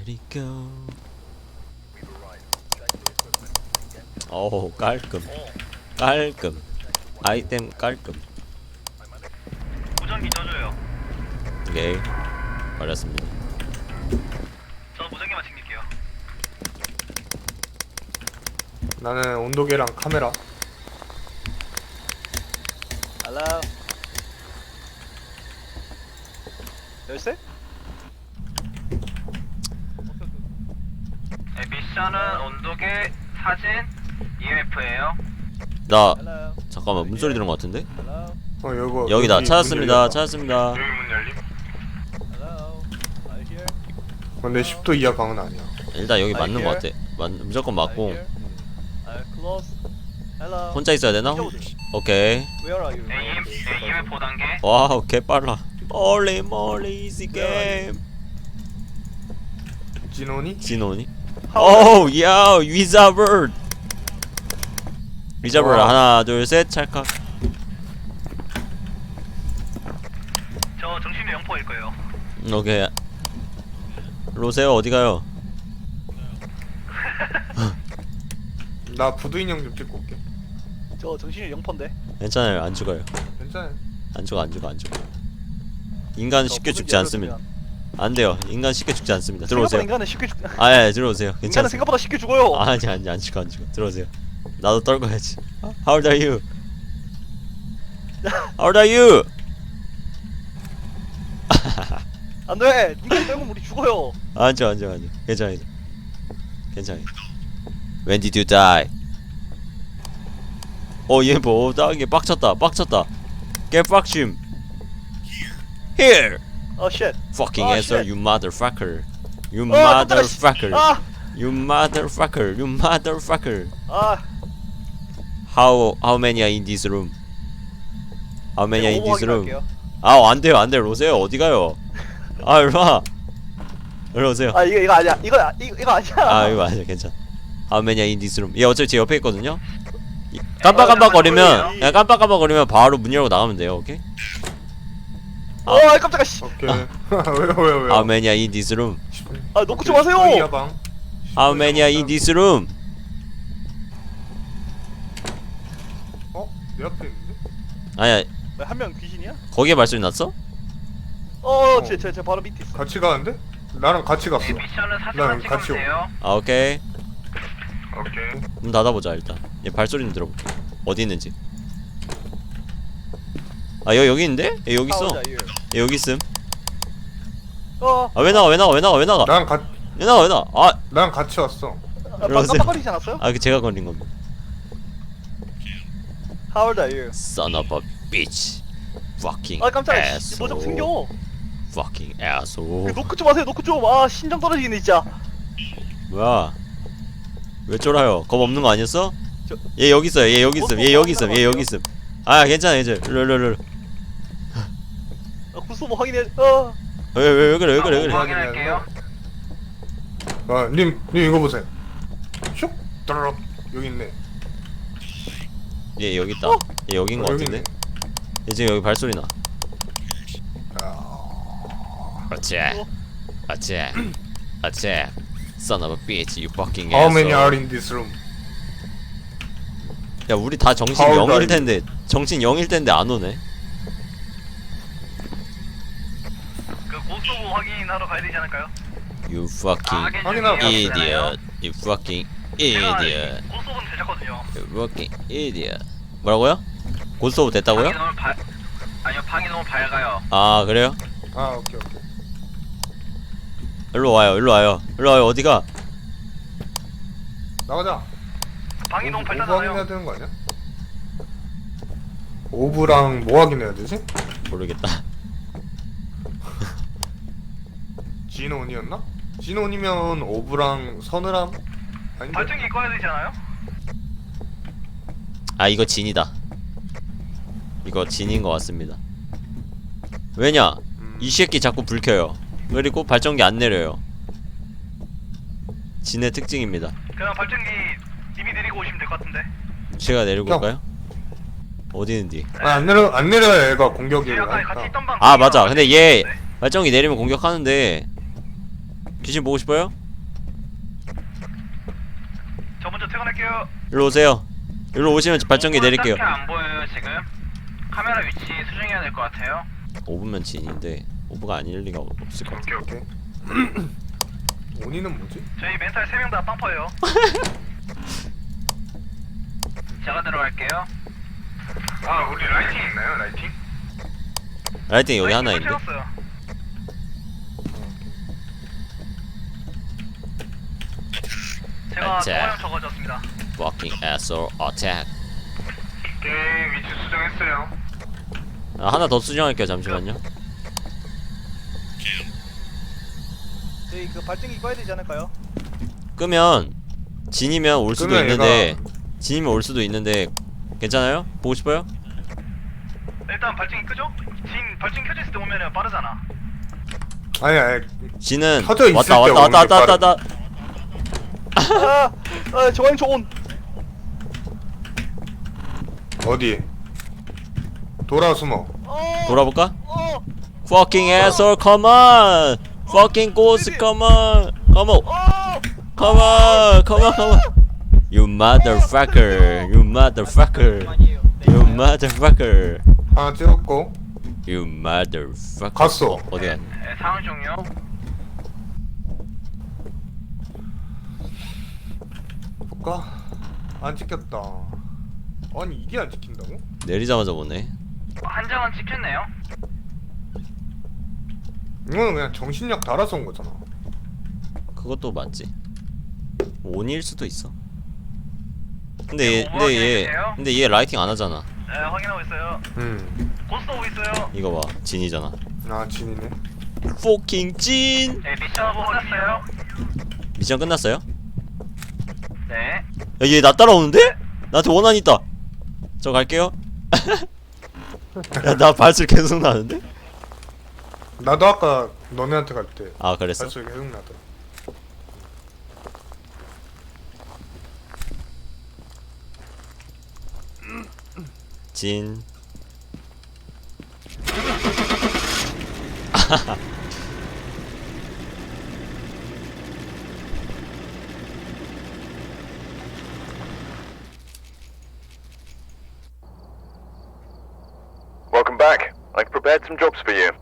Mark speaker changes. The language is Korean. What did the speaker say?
Speaker 1: Let it go. 오 깔끔 깔끔 아이템 깔끔.
Speaker 2: 무전기 쪄줘요.
Speaker 1: 오케이 버렸습니다.
Speaker 2: 저 무전기만 챙길게요.
Speaker 3: 나는 온도계랑 카메라.
Speaker 4: Hello. 열쇠?
Speaker 2: 네, 미션은 온도계, 사진, EMF예요.
Speaker 1: 나
Speaker 4: Hello.
Speaker 1: 잠깐만 문소리 들은 것 같은데?
Speaker 4: Hello.
Speaker 3: 이거
Speaker 1: 여기다
Speaker 3: 여기
Speaker 1: 찾았습니다.
Speaker 3: 문 열렸다.
Speaker 1: 찾았습니다.
Speaker 2: 여기 문 열림.
Speaker 4: Hello. Are you here?
Speaker 3: 근데 10도 이하 방은 아니야.
Speaker 1: 일단 여기
Speaker 4: Are
Speaker 1: 맞는
Speaker 4: you
Speaker 1: 것 같아. 무조건
Speaker 4: Are
Speaker 1: 맞고
Speaker 4: you here? Close. Hello.
Speaker 1: 혼자 있어야 되나? 오케이.
Speaker 4: Where are you?
Speaker 2: 네, EMF 5단계.
Speaker 1: 와우 개빨라. Holy moly easy game.
Speaker 3: 진원이?
Speaker 1: 진호니? 오 야 위자버드. 위자버드
Speaker 3: 와.
Speaker 1: 하나 둘 셋 찰칵.
Speaker 2: 저 정신이 0%일 거예요.
Speaker 1: 오케이. 로세요 어디 가요?
Speaker 3: 나 부두 인형 좀 찍고 올게.
Speaker 4: 저 정신이 0%인데.
Speaker 1: 괜찮아요 안 죽어요.
Speaker 3: 괜찮아.
Speaker 1: 안 죽어 안 죽어 안 죽어. 인간
Speaker 4: 저
Speaker 1: 쉽게
Speaker 4: 무전기
Speaker 1: 죽지 않습니다.
Speaker 4: 열어두면.
Speaker 1: 안 돼요. 인간 쉽게 죽지 않습니다.
Speaker 4: 생각보다
Speaker 1: 들어오세요.
Speaker 4: 인간은 쉽게 죽.
Speaker 1: 아예 들어오세요.
Speaker 4: 인간은
Speaker 1: 괜찮아요.
Speaker 4: 생각보다 쉽게 죽어요.
Speaker 1: 아니 안 죽어 안 죽어. 들어오세요. 나도 떨궈야지. How old are you? How old are you?
Speaker 4: 안돼. 인간 빼면 우리 죽어요.
Speaker 1: 안 죽어 안 죽어 안 죽어. 괜찮아 괜찮아. When did you die? 얘 뭐 따게 빡쳤다 빡쳤다. 개빡침. Here.
Speaker 4: 어 쉣.
Speaker 1: Fucking
Speaker 4: 아,
Speaker 1: answer
Speaker 4: shit.
Speaker 1: you motherfucker. You
Speaker 4: 깜짝이야, 씨.
Speaker 1: motherfucker.
Speaker 4: 아.
Speaker 1: You motherfucker. You motherfucker.
Speaker 4: 아.
Speaker 1: How many are in this room? How many are in this room?
Speaker 4: 할게요.
Speaker 1: 안 돼요 로세요 어디 가요? 일로 와. 일로 오세요.
Speaker 4: 아 이거 아니야. 이거 아니야.
Speaker 1: 이거 아니야 괜찮아. How many are in this room? 얘 어차피 제 옆에 있거든요. 깜빡깜빡거리면 그냥 깜빡깜빡거리면 바로 문 열고 나가면 돼요. 오케이?
Speaker 4: 깜짝아 씨.
Speaker 3: 오케이. 왜요?
Speaker 1: How many are in this room?
Speaker 4: 아 놓고 좀 하세요.
Speaker 3: 10도 이하 방.
Speaker 1: How many are in this room?
Speaker 3: 내 앞에 있는데?
Speaker 1: 아니야
Speaker 4: 한 명 귀신이야?
Speaker 1: 거기에 발소리 났어?
Speaker 4: 제 바로 밑에 있어.
Speaker 3: 같이 가는데? 나랑 같이 갔어.
Speaker 2: 네, 미션은
Speaker 3: 난
Speaker 2: 사진만 찍으면
Speaker 3: 같이
Speaker 2: 돼요.
Speaker 1: 오케이.
Speaker 3: 오케이.
Speaker 1: 문 닫아보자 일단. 얘 발소리 좀 들어볼게. 어디 있는지. 여기 있는데? 얘 여기 있어. 얘 여기 있음. 왜 나가?
Speaker 3: 나랑 나랑 같이 왔어.
Speaker 1: 들어오세요.
Speaker 4: 깜빡거리지 않았어요?
Speaker 1: 그 제가 걸린 겁니다.
Speaker 4: How old are you?
Speaker 1: Son of a bitch. Fucking
Speaker 4: 깜짝이야. 뭐좀
Speaker 1: asshole.
Speaker 4: 생겨.
Speaker 1: Fucking asshole.
Speaker 4: 노크 좀 하세요. 노크 좀. 심장 떨어지겠네 진짜.
Speaker 1: 뭐야? 왜 쫄아요? 겁 없는 거 아니었어?
Speaker 4: 저-
Speaker 1: 얘 여기 있어요. 얘 여기 있음. 얘 여기 있음. 얘 여기 있음. 괜찮아 이제. 일로.
Speaker 4: 구소모 확인해.
Speaker 1: 왜 그래?
Speaker 2: 확인할게요.
Speaker 3: 님 이거 보세요. 슉 따라락 여기 있네.
Speaker 1: 얘 여기 있다. 얘 여긴 거
Speaker 3: 여기
Speaker 1: 같은데?
Speaker 3: 있네.
Speaker 1: 얘 지금 여기 발소리 나.
Speaker 3: 아,
Speaker 1: 어째? Son of a bitch, you fucking
Speaker 3: How many
Speaker 1: asshole.
Speaker 3: are in this room?
Speaker 1: 야 우리 다 정신
Speaker 3: How old are
Speaker 1: 0일 텐데 정신 0일 텐데 안 오네.
Speaker 2: 그 고소부 확인하러 가야 되지 않을까요?
Speaker 1: You fucking
Speaker 3: 확인하러 갔어요.
Speaker 1: idiot. You fucking idiot.
Speaker 2: 고소부는 되셨거든요.
Speaker 1: You fucking idiot. 뭐라고요? 고스톱 됐다고요?
Speaker 2: 아니요, 방이 너무 밝아요.
Speaker 1: 그래요?
Speaker 3: 오케이.
Speaker 1: 일로 와요. 어디가?
Speaker 3: 나가자.
Speaker 2: 방이 너무
Speaker 3: 오브 확인해야
Speaker 2: 밝잖아요.
Speaker 3: 되는 거 아니야? 오브랑 뭐 확인해야 되지?
Speaker 1: 모르겠다.
Speaker 3: 진온이었나? 진온이면 오브랑 서늘함? 아닌데?
Speaker 2: 발전기 꺼야 되지 않아요?
Speaker 1: 이거 진이다. 이거 진인 것 같습니다. 왜냐? 이 새끼 자꾸 불 켜요. 그리고 발전기 안 내려요. 진의 특징입니다.
Speaker 2: 그럼 발전기 님이 내리고 오시면 될 것 같은데.
Speaker 1: 제가 내리고
Speaker 3: 형.
Speaker 1: 올까요? 어디 있는지.
Speaker 3: 안 내려야 얘가 공격을
Speaker 2: 아까 같이
Speaker 3: 하니까.
Speaker 2: 있던 방.
Speaker 1: 맞아. 근데 얘 발전기 내리면 공격하는데 귀신 보고 싶어요?
Speaker 2: 저 먼저 퇴근할게요.
Speaker 1: 일로 오세요. 일로 오시면 발전기 내릴게요.
Speaker 2: 딱히 안 보여요 지금. 카메라 위치 수정해야 될 것 같아요.
Speaker 1: 5분면 진인데 5분가 아닐 리가 없을 것 같아.
Speaker 3: 오케이. 온이는 뭐지?
Speaker 2: 저희 멘탈 3명 다 빵퍼예요. 제가 들어갈게요. 아 우리 라이팅 있나요 라이팅?
Speaker 1: 라이팅 여기 하나 있는데.
Speaker 2: 채웠어요. 제가
Speaker 1: 자.
Speaker 2: 동화형 적어줬습니다.
Speaker 1: Fucking asshole attack.
Speaker 2: 게임 위치 수정했어요.
Speaker 1: 아, 하나 더 수정할게요. 잠시만요.
Speaker 4: 저희 그 발전기 꺼야 되지 않을까요?
Speaker 1: 끄면 진이면 올 수도
Speaker 3: 끄면
Speaker 1: 있는데 진이면 올 수도 있는데 괜찮아요? 보고 싶어요?
Speaker 2: 일단 발전기 끄죠? 진 발전기 켜져 있을 때 오면은 빠르잖아.
Speaker 3: 아니
Speaker 1: 진은
Speaker 3: 켜져 있을
Speaker 1: 왔다
Speaker 3: 때
Speaker 1: 왔다
Speaker 3: 오는
Speaker 1: 왔다
Speaker 3: 게
Speaker 1: 왔다 왔다.
Speaker 4: 저항 초온.
Speaker 3: 어디? 돌아 숨어.
Speaker 1: 돌아볼까? Fucking asshole, come on! Fucking ghost, come on! Come on! Come on! Come on! Come on! You motherfucker! You motherfucker! You motherfucker!
Speaker 3: 하나 찍었고
Speaker 1: You motherfucker!
Speaker 3: 갔어.
Speaker 1: 어디 갔니?
Speaker 2: 네, 상황 종료.
Speaker 3: 볼까? 안 찍혔다. 아니 이게 안 찍힌다고?
Speaker 1: 내리자마자 보네.
Speaker 2: 한 장은 찍혔네요.
Speaker 3: 이거는 그냥 정신력 달아서 온 거잖아.
Speaker 1: 그것도 맞지. 온일 수도 있어. 근데 얘 라이팅 안 하잖아.
Speaker 2: 네, 확인하고 있어요. 고스트 오고 있어요.
Speaker 1: 이거 봐, 진이잖아.
Speaker 3: 아 진이네.
Speaker 1: Fucking 진!
Speaker 2: 네, 미션 끝났어요.
Speaker 1: 미션 끝났어요?
Speaker 2: 네.
Speaker 1: 야, 얘 나 따라오는데? 나한테 원한 있다. 저 갈게요. 야, 나 발소리 계속 나는데?
Speaker 3: 나도 아까 너네한테 갈 때
Speaker 1: 아, 그랬어?
Speaker 3: 발소리 계속 나더라.
Speaker 1: 진.
Speaker 5: Welcome back. I've prepared some jobs for you.